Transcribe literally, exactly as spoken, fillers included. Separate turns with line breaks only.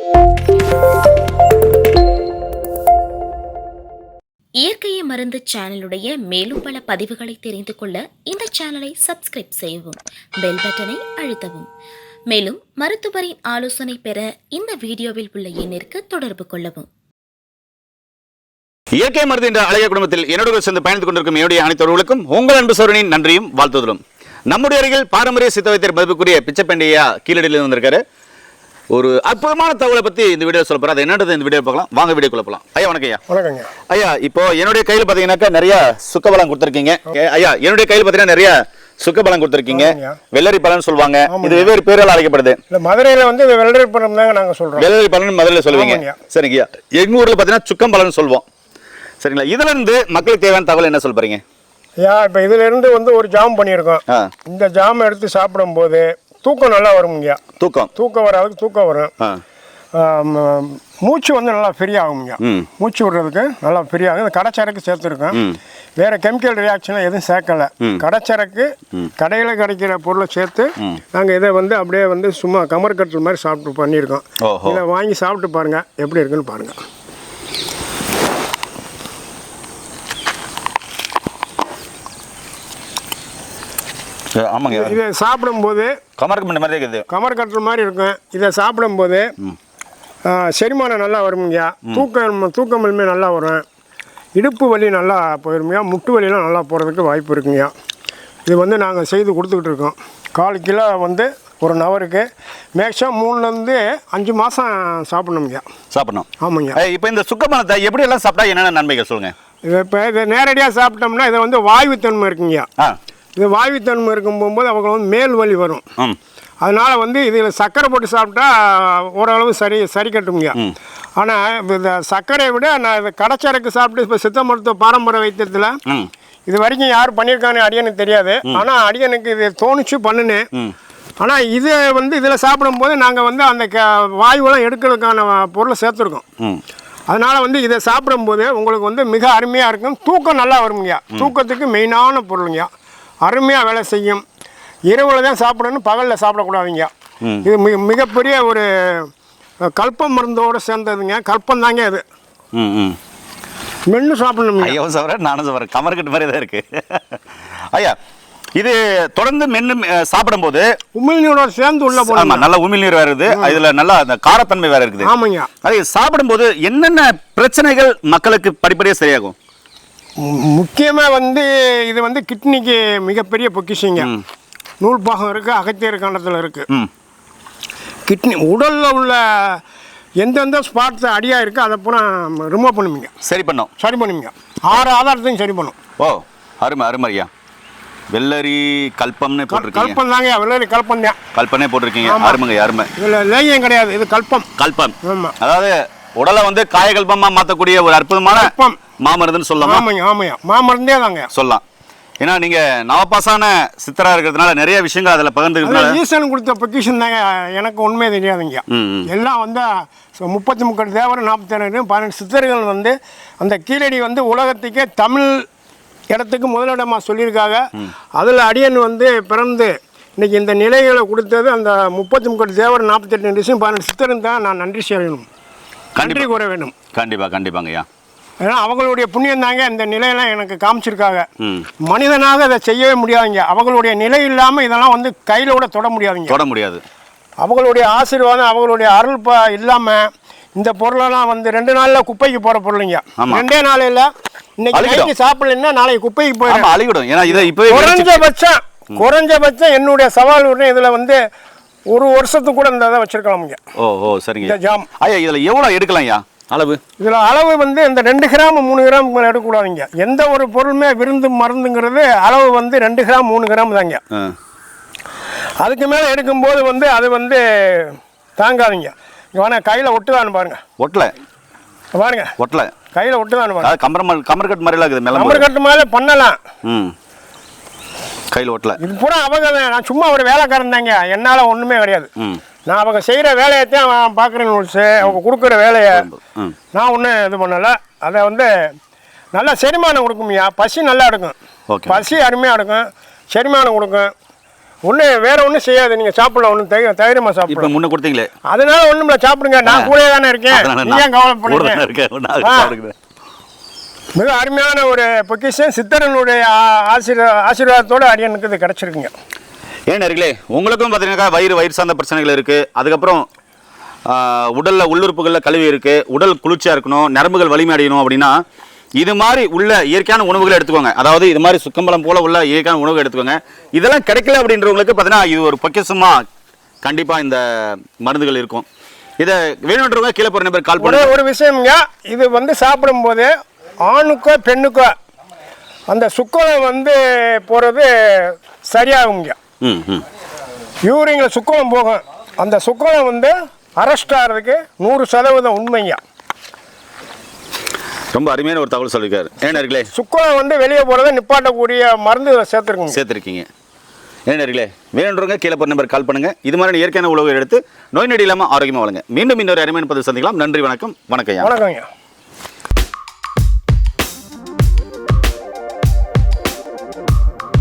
இயற்கையை மருந்து சேனலுடைய மேலும் பல பதிவுகளை தெரிந்து கொள்ள இந்த சேனலை சப்ஸ்கிரைப் செய்யவும், பெல் பட்டனை அழுத்தவும். மேலும் மருத்துவரின் ஆலோசனை பெற இந்த வீடியோவில் உள்ள எண்ணிற்கு தொடர்பு கொள்ளவும்.
இயற்கை மருந்து என்ற அழகிய குடும்பத்தில் என்னோட சேர்ந்து பயணித்துக் கொண்டிருக்கும் என்னுடைய அனைத்தவர்களுக்கும் உங்கள் அன்பு சோழனின் நன்றியும் வாழ்த்துதலும். நம்முடைய அருகில் பாரம்பரிய சித்த வைத்தியர் மதிப்புக்குரிய பிச்சைப்பண்டியா கீழடியில் வந்திருக்காரு. ஒரு அற்புதமான தகவலை பற்றி இந்த வீடியோ சொல்ல போகிறேன். அது என்னன்றது இந்த வீடியோ பார்க்கலாம். வாங்க வீடியோ போகலாம். ஐயா வணக்கம். ஐயா
வணக்கங்க.
ஐயா இப்போ என்னுடைய கையில் பார்த்தீங்கன்னாக்கா நிறைய சுக்கபலம் கொடுத்துருக்கீங்க. ஐயா என்னுடைய கையில் பார்த்தீங்கன்னா நிறைய சுக்கபலம் கொடுத்துருக்கீங்க. வெள்ளரி பலன் சொல்லுவாங்க. இது வெவ்வேறு பேரால் அழைக்கப்படுது.
இல்லை, மதுரையில் வந்து வெள்ளரி பழம் தாங்க நாங்கள் சொல்கிறோம்.
வெள்ளரி பலன் மதுரையில் சொல்லுவீங்க. சரிங்க. எங்கள் ஊரில் பார்த்தீங்கன்னா சுக்கம் பலன் சொல்லுவோம். சரிங்களா? இதுல இருந்து மக்களுக்கு தேவையான தகவல் என்ன சொல்ல போறீங்க?
ஐயா இப்போ இதுல இருந்து வந்து ஒரு ஜாம் பண்ணியிருக்கோம். இந்த ஜாம் எடுத்து சாப்பிடும் போது தூக்கம் நல்லா வரும்யா. தூக்கம் தூக்கம் வராதுக்கு தூக்கம் வரும். மூச்சு வந்து நல்லா ஃப்ரீ ஆகும்யா. மூச்சு விடுறதுக்கு நல்லா ஃப்ரீ ஆகும். இந்த கடைச்சரக்கு சேர்த்துருக்கோம். வேற கெமிக்கல் ரியாக்ஷன் எதுவும் சேர்க்கல. கடைச்சரக்கு கடையில் கிடைக்கிற பொருளை சேர்த்து நாங்கள் இதை வந்து அப்படியே வந்து சும்மா கமர் கட்டல் மாதிரி சாப்பிட்டு பண்ணியிருக்கோம். இதை வாங்கி சாப்பிட்டு பாருங்க எப்படி இருக்குன்னு பாருங்க.
ஆமாங்க.
இதை சாப்பிடும்போது
கமர் கட்டுற மாதிரி இருக்குது.
கமர் கட்டுற மாதிரி இருக்கும். இதை சாப்பிடும்போது செரிமானம் நல்லா வரும்யா. தூக்கம் தூக்கமின்மை நல்லா வரும். இடுப்பு வலி நல்லா போயிருமையா. முட்டு வலியெலாம் நல்லா போகிறதுக்கு வாய்ப்பு இருக்குங்கய்யா. இது வந்து நாங்கள் செய்து கொடுத்துக்கிட்டு இருக்கோம். கால் கிலோ வந்து ஒரு நவருக்கு மேக்ஸிமம் மூணுலேருந்து அஞ்சு மாதம் சாப்பிடணுங்கய்யா.
சாப்பிடணும்.
ஆமாங்க.
இப்போ இந்த சுக்கமனத்தை எப்படி எல்லாம் சாப்பிட்டா என்னென்ன நன்மைகள் சொல்லுங்கள்.
இது இப்போ இதை நேரடியாக சாப்பிட்டோம்னா இதை வந்து வாயுத்தன்மை இருக்குங்கய்யா. இது வாயுத்தன்மை இருக்கும் போகும்போது அவங்க வந்து மேல் வலி வரும். அதனால் வந்து இதில் சர்க்கரை போட்டு சாப்பிட்டா ஓரளவு சரி சரி கட்டுங்க. ஆனால் இந்த சர்க்கரையை விட நான் இதை கடைச்சரக்கு சாப்பிட்டு இப்போ சித்த மருத்துவ பாரம்பரிய வைத்தியத்தில் இது வரைக்கும் யார் பண்ணியிருக்கான்னு அடியனுக்கு தெரியாது. ஆனால் அடியனுக்கு இது தோணிச்சு பண்ணுனேன். ஆனால் இதை வந்து இதில் சாப்பிடும்போது நாங்கள் வந்து அந்த க வாயுவெல்லாம் எடுக்கிறதுக்கான பொருளை சேர்த்துருக்கோம். அதனால் வந்து இதை சாப்பிடும்போது உங்களுக்கு வந்து மிக அருமையாக இருக்கும். தூக்கம் நல்லா வருங்கய்யா. தூக்கத்துக்கு மெயினான பொருளுங்கய்யா. அருமையாக வேலை செய்யும். இரவில் தான் சாப்பிடணும், பகலில் சாப்பிடக்கூடாதுங்க. இது மிக மிகப்பெரிய ஒரு கல்ப மருந்தோடு சேர்ந்ததுங்க. கல்பம் தாங்க இது. மென்று சாப்பிடணும்.
ஐயோ சார், நானும் சார் கமர்கட்டு மாதிரி தான் இருக்கு. ஐயா இது தொடர்ந்து மென்று சாப்பிடும்போது
உமிழ்நீரோட சேர்ந்து உள்ள போகணும்.
நல்ல உமிழ்நீர் வருது. இதுல நல்லா அந்த காரத்தன்மை வேற இருக்குது.
ஆமாங்க.
அது சாப்பிடும்போது என்னென்ன பிரச்சனைகள் மக்களுக்கு படிப்படியாக சரியாகும்?
முக்கியமாக வந்து இது வந்து கிட்னிக்கு மிகப்பெரிய பொக்கிஷங்க. நூல் பாகம் இருக்குது, அகத்தியர் கண்டத்தில் இருக்குது. கிட்னி உடலில் உள்ள எந்தெந்த ஸ்பாட்ஸ் அடியாக இருக்குது அதை பூரா ரிமூவ் பண்ணுவீங்க. சரி பண்ணோம் சரி பண்ணுவீங்க. ஆறு ஆதாரத்தையும் சரி பண்ணும்.
ஓ அருமை அருமை ஐயா. வெள்ளரி கல்பம்னு போட்டிருக்கீங்க.
கல்பம் தாங்க. வெள்ளரி கல்பம் தான்.
கல்பனே போட்டிருக்கீங்க. அருமைங்க அருமை.
இதில் லேகியம் கிடையாது, இது கல்பம்.
கல்பம்.
ஆமாம்.
அதாவது உடலை வந்து காயகல்பமா மாற்றக்கூடிய ஒரு அற்புதமான மாமருந்துன்னு சொல்லலாம்.
ஆமாங்க ஆமாங்க. மாமருந்தே தாங்க சொல்லலாம்.
ஏன்னா நீங்க நவபாசான சித்தரா இருக்கிறதுனால நிறைய விஷயங்கள் அதில் பகிர்ந்துக்கிறதுனால
ஈசன் கொடுத்த பொக்கிஷன் தாங்க. எனக்கு உண்மையே தெரியாதுங்க. எல்லாம் வந்து முப்பத்தி முக்கட்டு தேவர் நாற்பத்தி பன்னெண்டு சித்தர்கள் வந்து அந்த கீழடி வந்து உலகத்துக்கே தமிழ் இடத்துக்கு முதலிடமாக சொல்லியிருக்காங்க. அதில் அடியன் வந்து பிறந்து இன்னைக்கு இந்த நிலைகளை கொடுத்தது அந்த முப்பத்தி முக்கட்டு தேவர் நாற்பத்தெட்டு விஷயம் பன்னெண்டு சித்தரும் தான். நான் நன்றி செய்யணும், நன்றி கூற வேண்டும்.
கண்டிப்பாக கண்டிப்பாங்கய்யா.
ஏன்னா அவங்களுடைய புண்ணியம் தாங்க இந்த நிலையெல்லாம் எனக்கு காமிச்சிருக்காங்க. மனிதனாக அதை செய்யவே முடியாதுங்க. அவங்களுடைய நிலை இல்லாமல் இதெல்லாம் வந்து கையில் கூட தொட முடியாதுங்க. தொட முடியாது. அவங்களுடைய ஆசீர்வாதம், அவங்களுடைய அருள் ப இல்லாமல் இந்த பொருளெல்லாம் வந்து ரெண்டு நாளில் குப்பைக்கு போகிற பொருளுங்க. ரெண்டே நாளையில் இன்னைக்கு சாப்பிடலன்னா நாளைக்கு குப்பைக்கு போயிடும், அழிவிடும். ஏன்னா இதை இப்போ குறைஞ்சபட்சம் குறைஞ்சபட்சம் என்னுடைய சவால் ஒன்று இதில் வந்து ஒரு வருஷத்துக்கு கூட இந்த இதை வச்சிருக்கலாமுங்க. ஓ ஓ சரிங்க. ஜாம் ஐயா இதில் எவ்வளோ எடுக்கலாம் ஐயா அளவு? இதில் அளவு வந்து இந்த ரெண்டு கிராம் மூணு கிராம் மேலே எடுக்கக்கூடாதுங்க. எந்த ஒரு பொருளுமே விருந்து மருந்துங்கிறது அளவு வந்து ரெண்டு கிராம் மூணு கிராம் தாங்க. அதுக்கு மேலே எடுக்கும்போது வந்து அது வந்து தாங்காதுங்க. வேணா கையில் ஒட்டுதான்னு பாருங்க. ஒட்டலை பாருங்க. ஒட்டலை கையில் ஒட்டுதான்னு பாருங்க. கம்பர் கமர் கட்டு மாதிரிலாம் இருக்குது. கமர் கட்டு மாதிரி பண்ணலாம். ம் கையில் ஒட்டலை. இது பூரா அவங்க நான் சும்மா ஒரு வேலைக்காரன் தாங்க. என்னால் ஒன்றுமே கிடையாது. நான் அவங்க செய்கிற வேலையைத்தான் நான் பார்க்குறேன். அவங்க கொடுக்குற வேலையை நான் ஒன்றும் இது பண்ணலை. அதை வந்து நல்லா செரிமானம் கொடுக்கும்யா. பசி நல்லா எடுக்கும். பசி அருமையாக எடுக்கும், செரிமானம் கொடுக்கும். ஒண்ணு வேற ஒண்ணும் செய்யாது, நீங்க சாப்பிடலாம், ஒன்றும் தைரியமா
இப்போ
சாப்பிடலாம்.
முன்ன கொடுத்தீங்களே
அதனால ஒண்ணும் இல்லை, சாப்பிடுங்க, நான் கூட தானே இருக்கேன், நீங்க ஏன் கவலைப்படுறீங்க?
இருக்கேன்.
மிக அருமையான ஒரு பொக்கிஷன் சித்தரனுடைய ஆசீர்வா ஆசீர்வாதத்தோடு அடியனுக்கு இது கிடச்சிருக்குங்க.
ஏன் நேர்களே, உங்களுக்கும் பார்த்தீங்கன்னாக்கா வயிறு வயிறு சார்ந்த பிரச்சனைகள் இருக்குது, அதுக்கப்புறம் உடலில் உள்ளுறுப்புகளில் கழிவு இருக்குது, உடல் குளிர்ச்சியாக இருக்கணும், நரம்புகள் வலிமை அடையணும் அப்படின்னா இது மாதிரி உள்ள இயற்கையான உணவுகளை எடுத்துக்கோங்க. அதாவது இது மாதிரி சுக்கம்பலம் போல் உள்ள இயற்கையான உணவுகள் எடுத்துக்கோங்க. இதெல்லாம் கிடைக்கல அப்படின்றவங்களுக்கு பார்த்தீங்கன்னா இது ஒரு பொக்கிஷமாக கண்டிப்பாக இந்த மருந்துகள் இருக்கும். இதை வேணுன்றவங்க கீழே போகிற நம்பர் கால் பண்ணி
ஒரு விஷயம்ங்க, இது வந்து சாப்பிடும்போது ஆணுக்கோ பெண்ணுக்கோ அந்த சுக்கலம் வந்து போகிறது சரியாகுங்க.
ம் ம்
யூரிங்கில் சுக்கலம் போகும், அந்த சுக்கலம் வந்து அரெஸ்ட் ஆகிறதுக்கு நூறு சதவீதம் உண்மைங்க.
ரொம்ப அருமையான ஒரு தகவல் சொல்லியிருக்காரு. ஏன்னர்களே,
சுக்கலம் வந்து வெளியே போகிறத நிப்பாட்டக்கூடிய மருந்து சேர்த்துருக்குங்க
சேர்த்துருக்கீங்க. ஏன்னர்களே, வேணுன்றவங்க கீழே போகிற நம்பர் கால் பண்ணுங்கள். இது மாதிரி இயற்கையான உணவுகள் எடுத்து நோய் நொடி இல்லாமல் ஆரோக்கியமாக வளங்க. மீண்டும் இன்னொரு அருமையான பதிவு சந்திக்கலாம். நன்றி, வணக்கம். வணக்கம்
வணக்கங்க.